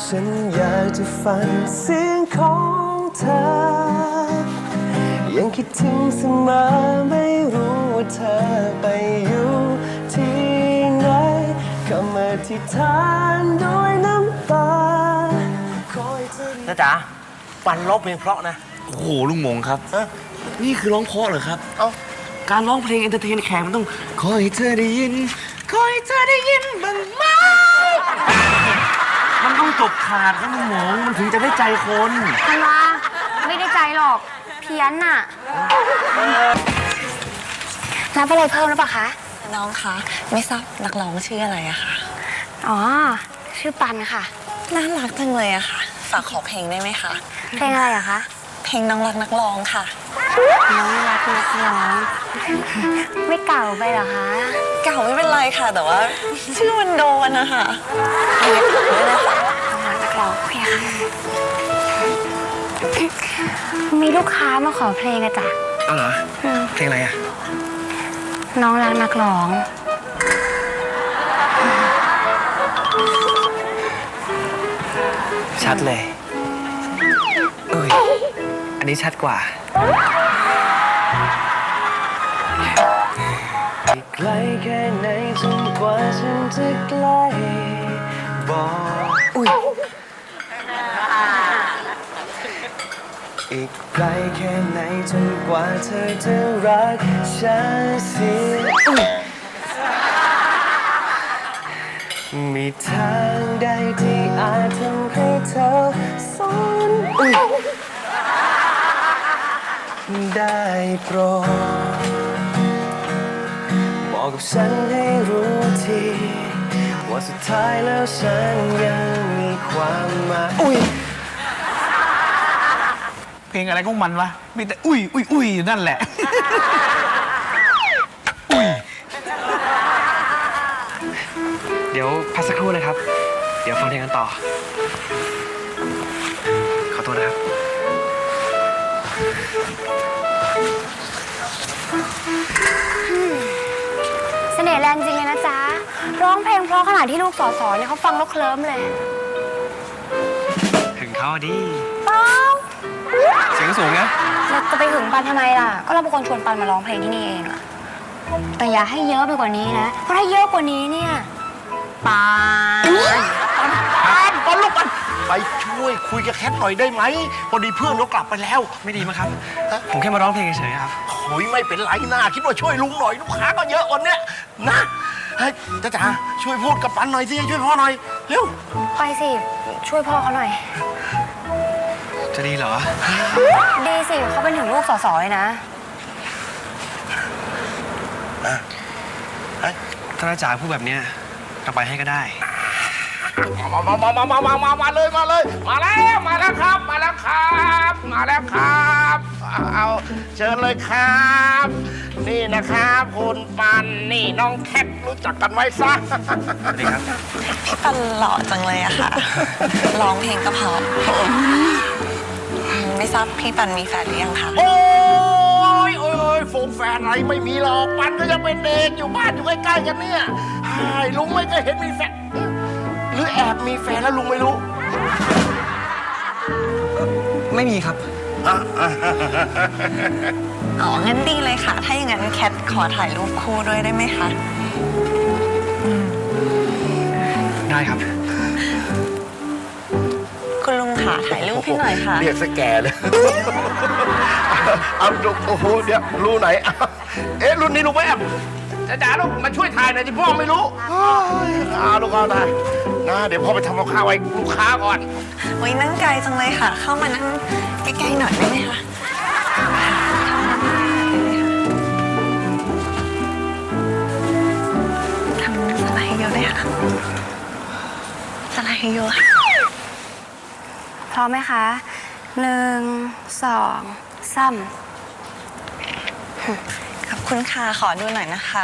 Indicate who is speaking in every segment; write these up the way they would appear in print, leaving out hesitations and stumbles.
Speaker 1: ฉันอยากจะฟังเสียงของเธอยังคิดถึงเสมอไม่รู้ว่าเธอไปอยู่ที่ไหนคำอธิษฐานด้วยน้ำตา
Speaker 2: นะจ๊ะปันร้องเพลงเพราะนะ
Speaker 3: โอ้โหลุงหมงครับนี่คือร้องเพราะเหรอครับการร้องเพลงเอนเตอร์เทนแขกมันต้องขอให้เธอได้ยินขอให้เธอได้ยินบ้างไหมมันต้องจบขาดครับลุงหมงมันถึงจะได้ใจคน
Speaker 4: ธันวาไม่ได้ใจหรอกเพี้ยนน่ะรับอะไรเพิ่มหรือเปล่าคะ
Speaker 5: น้องคะไม่ทราบนักร้องชื่ออะไรอะคะ
Speaker 4: อ๋อชื่อปันค่ะ
Speaker 5: น่ารักจังเลยอะค่ะฝากขอเพลงได้ไหมคะ
Speaker 4: เพลงอะไรอะคะ
Speaker 5: เพลงน้องรักนักร้องค่ะ
Speaker 4: น้องรักนักร้องไม่เก่าไปเหรอคะ
Speaker 5: เก่าไม่เป็นไรค่ะแต่ว่าชื่อมันโดนนะคะ
Speaker 4: เพลงด้วยนะคะน้องรักนักร้องโอเคค่ะมีลูกค้ามาขอเพลงอะจ๊ะ
Speaker 3: เอาเหรอเพลงอะไรอะ
Speaker 4: น้องรักนักร้อง
Speaker 3: ชัดเลยอันนี้ชัดกว่า
Speaker 1: ไกลแค่ไหนจนกว่าฉันจะใกล้บอกอีกไกลแค่ไหนจนกว่าเธอจะรักฉันเสียมีทางใดที่อาจทำให้เธอสนได้โปรดบอกกับฉันให้รู้ทีว่าสุดท้ายแล้วฉันยังมีความหมาย
Speaker 3: เพลงอะไรของมันวะมีแต่อุ้ยอยู่นั่นแหละเดี๋ยวพักสักครู่นะครับเดี๋ยวฟังเพลงกันต่อขอโทษนะครับ
Speaker 4: เสน่ห์แรงจริงเลยนะจ๊ะร้องเพลงเพราะขนาดที่ลูกสอเนี่ยเขาฟังแล้วเคลิ้มเลย
Speaker 3: ถึงเขาดิ
Speaker 4: เปล่า
Speaker 3: เสียงสูงนะ
Speaker 4: เราจะไปหึงปันทำไมล่ะก็เราเป็นคนชวนปันมาร้องเพลงที่นี่เองอะแต่อย่าให้เยอะไปกว่านี้นะเพราะถ้าเยอะกว่านี้เนี่ยปัน
Speaker 2: ลูกปันไปช่วยคุยกับแคทหน่อยได้ไหมพอดีเพื่อนเรากลับไปแล้ว
Speaker 3: ไม่ดีมั้งครับผมแค่มาร้องเพลงเฉยๆครับ
Speaker 2: โอ้ยไม่เป็นไรนะคิดว่าช่วยลุงหน่อยลูกค้าก็เยอะวันเนี้ยนะเฮ้ยจ๋าช่วยพูดกับปันหน่อยสิช่วยพ่อหน่อยเร็ว
Speaker 4: ไปสิช่วยพ่อเขาหน่อย
Speaker 3: จะดีเหรอ
Speaker 4: ดีสิเขาเป็นถึงลูกสอเลยนะ
Speaker 3: ถ้าจ๋าพูดแบบนี้เราไปให้ก็ได้
Speaker 2: มาเลยมาแล้วครับเอาเชิญเลยครับนี่นะครับคุณปันนี่น้องแคทรู้จักกันไหมซะ
Speaker 3: สวัสดีครับ
Speaker 5: พี่ปันหล่อจังเลยอะค่ะร้องเพลงก็เพราะไม่ทราบพี่ปันมีแฟนหรือยังคะ
Speaker 2: โอ้ยโฟงแฟนอะไรไม่มีหรอกปันก็ยังเป็นเด็กอยู่บ้านอยู่ใกล้ๆกันเนี่ยลุงไม่เคยเห็นมีแฟนหรือแอบมีแฟนแล้วลุงไม่รู้
Speaker 3: ไม่มีครับ
Speaker 5: อ๋องั้นดีเลยค่ะถ้าอย่างนั้นแคทขอถ่ายรูปคู่ด้วยได้ไหมคะ
Speaker 3: ได้ครับ
Speaker 5: คุณลุงค่ะถ่ายรูปให้หน่อยค่ะ
Speaker 2: เรียกสแกเลยเอาดูโอ้โหเดี๋ยวรู้ไหนรุ่นนี้ลุงไม่แอบจ๋าลูกมาช่วยถ่ายหน่อยที่พ่อไม่รู้ลูกเอาถ่ายนะเดี๋ยวพ่อไปทำกับข้าวไว้ลูกค้าก่อน
Speaker 5: โอ้ยนั่งไกลจังเลยค่ะเข้ามานั่งใกล้ๆหน่อยได้ไหมคะทำสไลด์เยอะเลยค่ะสไลด์เยอะ
Speaker 4: พร้อมไหมคะ1 2 3
Speaker 5: ขอบคุณค่ะขอดูหน่อยนะคะ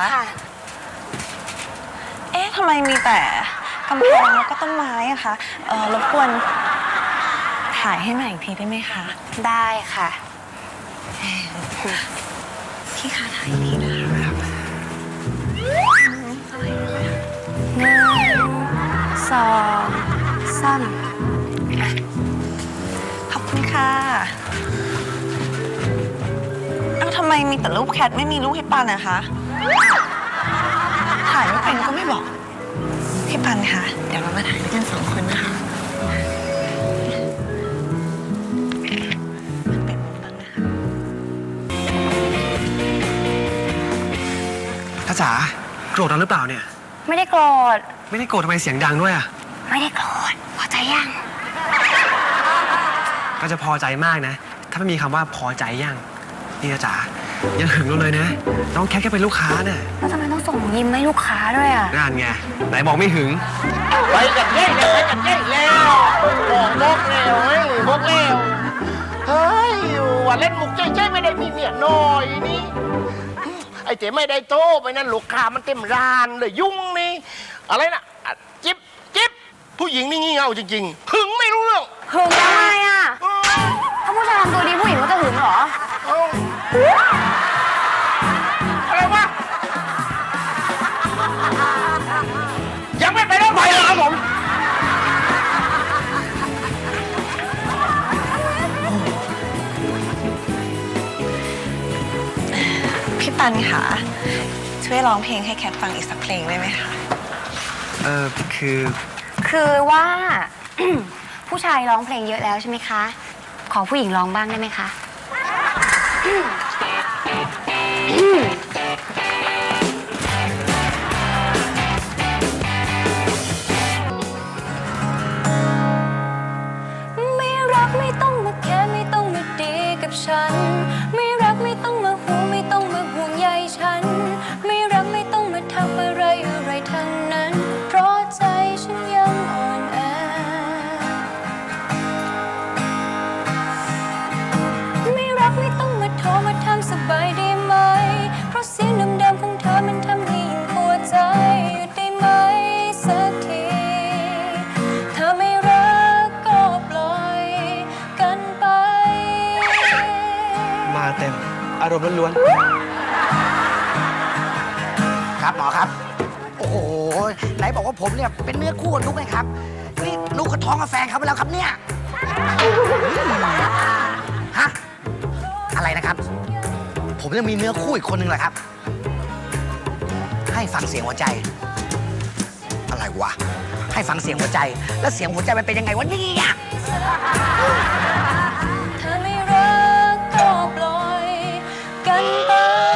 Speaker 5: เอ๊ะทำไมมีแต่กำแพงแล้วก็ต้นไม้อะคะรบกวนถ่ายให้หน่อยอีกทีได้ไหมคะ
Speaker 4: ได้ค่ะ
Speaker 5: พี่คะถ่ายอีกทีนะคะ
Speaker 4: 1 2 3
Speaker 5: ไมมีแต่รูปแคทไม่มีรูปพี่ปันนะคะถ่ายไม่เป็นก็ไม่บอกพี่ปันคะเดี๋ยวเรามาถ่ายด้วยกัน2 คนนะคะมันเป็นมุมบ้างนะคะ
Speaker 1: ถ้าจ๋าโกรธเราหรือเปล่าเนี่ย
Speaker 4: ไม่ได้โกรธ
Speaker 1: ไม่ได้โกรธทำไมเสียงดังด้วยอ่ะ
Speaker 4: ไม่ได้โกรธพอใจยัง
Speaker 1: ก็จะพอใจมากนะ ถ้าไม่มีคำว่าพอใจยังนี่นะจ๋ายังหึงเราเลยนะ น้องแค่เป็นลูกค้าน่ะ
Speaker 4: แล้วทำไมต้องส่งยิ้มให้ลูกค้าด้วยอ่ะ
Speaker 1: นั่นไงไหนบอกไม่หึง
Speaker 2: ไปกันเย้เลยไปกันเย้แล้วบอกบกแล้วเฮ้ยบกแล้วเฮ้ยว่าเล่นมุกเจ๊ไม่ได้มีเมียน้อยนี่ไอ้เจ๊ไม่ได้โตไปนั่นลูกค้ามันเต็มร้านเลยยุ่งนี่อะไรนะจิ๊บจิ๊บผู้หญิงนี่งี่เง่าจริงๆหึงไม่รู้เรื่อง
Speaker 4: หึงทำไมอ่ะ ถ้าผู้ชายทำตัวดีผู้หญิงก็จะหึงเหรอ
Speaker 2: อะไรวะยังไม่ไปแล้วไปเหรอครับผม
Speaker 5: พี่ปันคะช่วยร้องเพลงให้แคทฟังอีกสักเพลงได้ไหมคะ
Speaker 1: คือ
Speaker 4: ว่า ผู้ชายร้องเพลงเยอะแล้วใช่ไหมคะ ขอผู้หญิงร้องบ้างได้ไหมคะ ไม่รักไม่ต้องมาแค่ไม่ต้องมาดีกับฉัน ไม่รักไม่ต้องมาห่วงไม่ต้องมาห่วงใยฉัน ไม่รักไม่ต้องมาทำอะไรอะไรทั้งนั้น เพราะใจฉันยังอ่อนแอ ไม่รักไม่ต้องมาโทรมาทำสบายได้ไหม เพราะเสียงเดิมๆของเธอมันทำให้ยิ่งปวดใจหยุดได้ไหมสักที ถ้าไม่รักก็ปล่อยกันไป
Speaker 1: มาเต็มอารมณ์ล้วน
Speaker 6: ครับหมอครับ โอ้โหไหนบอกว่าผมเนี่ยเป็นเนื้อคู่กับนุ๊กไงครับนี่นุ๊กก็ท้องกับแฟนเขาไปแล้วครับเนี่ยฮะอะไรนะครับ ผมยังมีเนื้อคู่อีกคนหนึ่งแหละครับ ให้ฟังเสียงหัวใจ อะไรวะให้ฟังเสียงหัวใจ แล้วเสียงหัวใจมันเป็นยังไงวะเนี่ย
Speaker 4: ถ้าไม่รักก็ปล่อยกันไป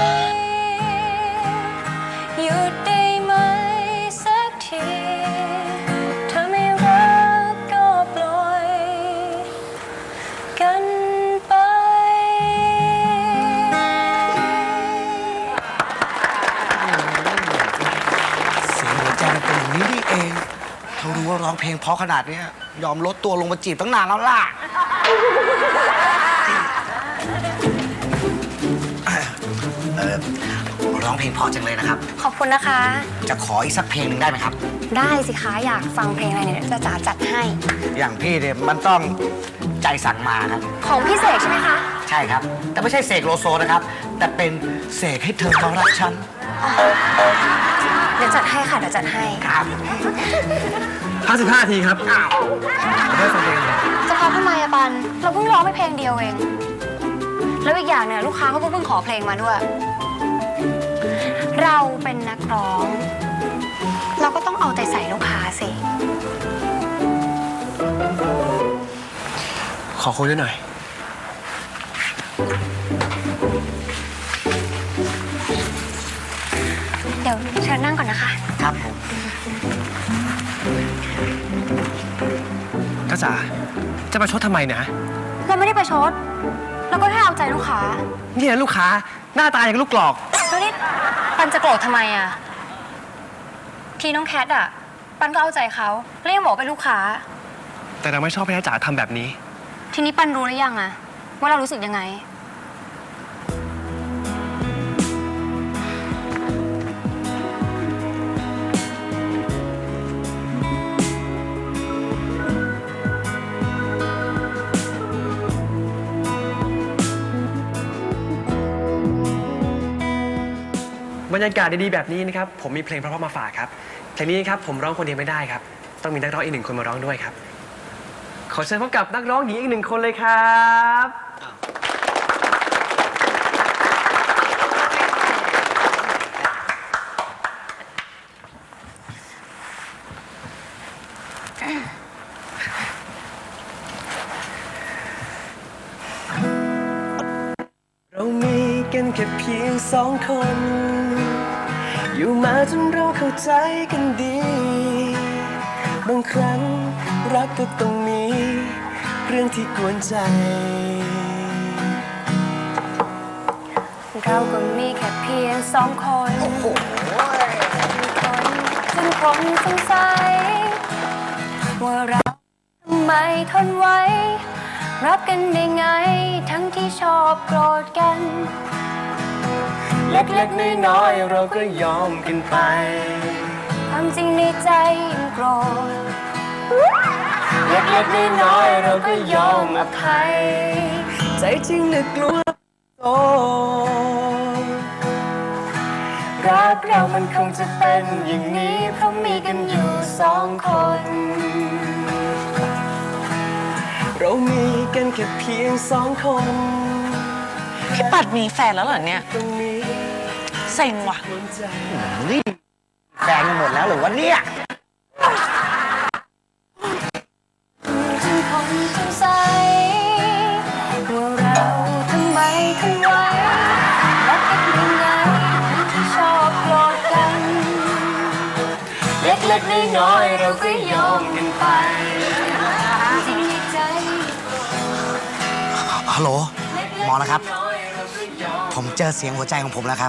Speaker 4: หยุดได้ไหมสักที ถ้าไม่รักก็ปล่อยกันไป
Speaker 6: เสียงหัวใจมันเป็นอย่างนี้นี่เองถ้ารู้ว่าร้องเพลงเพราะขนาดเนี้ยยอมลดตัวลงมาจีบตั้งนานแล้วล่ะร้องเพลงเพราะจังเลยนะครับ
Speaker 4: ขอบคุณนะคะ
Speaker 6: จะขออีกสักเพลงหนึ่งได้ไหมครับ
Speaker 4: ได้สิคะอยากฟังเพลงอะไรเนี่ยจะจ๋าจัดให้
Speaker 6: อย่างพี่เนี่ยมันต้องใจสั่งมาครับ
Speaker 4: ของพี่เสกใช่ไหมคะ
Speaker 6: ใช่ครับ แต่ไม่ใช่เสกโลโซนะครับ แต่เป็นเสกให้เธอเขารักฉัน
Speaker 4: เดี๋ยวจัดให้ค่ะเดี๋ยวจัดให้
Speaker 6: ครับ
Speaker 1: ๆ55 ทีครับได้ฟังเพลงเลย
Speaker 4: จะพอทำไมอะปัน เราเพิ่งร้องไปเพลงเดียวเอง แล้วอีกอย่างเนี่ยลูกค้าเขาก็เพิ่งขอเพลงมาด้วย เราเป็นนักร้อง เราก็ต้องเอาใจใส่ลูกค้าสิ
Speaker 1: ขอคุยด้วยหน่อย
Speaker 4: เดี๋ยวเชิญนั่งก่อนนะคะ
Speaker 6: ครับผม
Speaker 1: ก็จ๋าจะมาชดทำไมนะ
Speaker 4: เราไม่ได้ประชด เราก็แค่เอาใจลูกค้า
Speaker 1: เนี่ยลูกค้าหน้าตาอย่างลูกกรอก
Speaker 4: แล้วนี่ปันจะโกรธทำไมอะทีน้องแคทอะปันก็เอาใจเขาแล้วยังบอกเป็นลูกค้า
Speaker 1: แต่เราไม่ชอบให้น้าจ๋าทำแบบนี้
Speaker 4: ทีนี้ปันรู้หรือยังอะว่าเรารู้สึกยังไง
Speaker 1: บรรยากาศดีๆแบบนี้นะครับผมมีเพลงเพราะๆมาฝากครับเพลงนี้ครับผมร้องคนเดียวไม่ได้ครับต้องมีนักร้องอีก1 คนมาร้องด้วยครับขอเชิญพบกับนักร้องหญิงอีก1 คนเลยครับเรามีกันแค่เพียงสองคน อยู่มาจนเราเข้าใจกันดี บางครั้งรักก็ต้องมีเรื่องที่กวนใจ
Speaker 4: เราก็มีแค่เพียงสองคนจึงคงสงสัยว่าเราทำไมทนไว้ รักกันได้ไงทั้งที่ชอบโกรธกัน
Speaker 1: เล็กๆน้อยๆเราก็ยอมกันไป
Speaker 4: ความจริงในใจยังโกรธ
Speaker 1: เล็กๆน้อยๆเราก็ยอมอภัย ใจจริงนึกกลัวโตรักเรามันคงจะเป็นอย่างนี้เพราะมีกันอยู่สองคน เรามีกันแค่เพียงสองคน
Speaker 5: พี่ปัดมีแฟนแล้วเหรอเนี่ย
Speaker 1: ตรงนี้
Speaker 5: เซ็งว่ะ
Speaker 1: หัวใจ
Speaker 6: แฟนหมดแล้วหรือวะเนี่ย
Speaker 4: จึงคงสงสัยว่าเราทำไมทนไว้รักกันยังไงทั้งที่ชอบโกรธกัน
Speaker 1: เล็กๆน้อยๆเราก็ยอมกันไป
Speaker 4: จริงในใจ
Speaker 6: ฮัลโหลหมอนะครับ ผมเจอเสียงหัวใจของผมแล้วครับ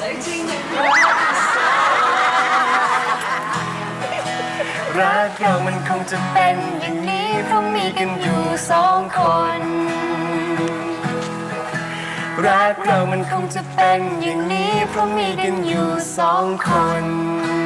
Speaker 1: รักเรามันคงจะเป็นอย่างนี้เพราะมีกันอยู่สองคน รักเรามันคงจะเป็นอย่างนี้เพราะมีกันอยู่สองคน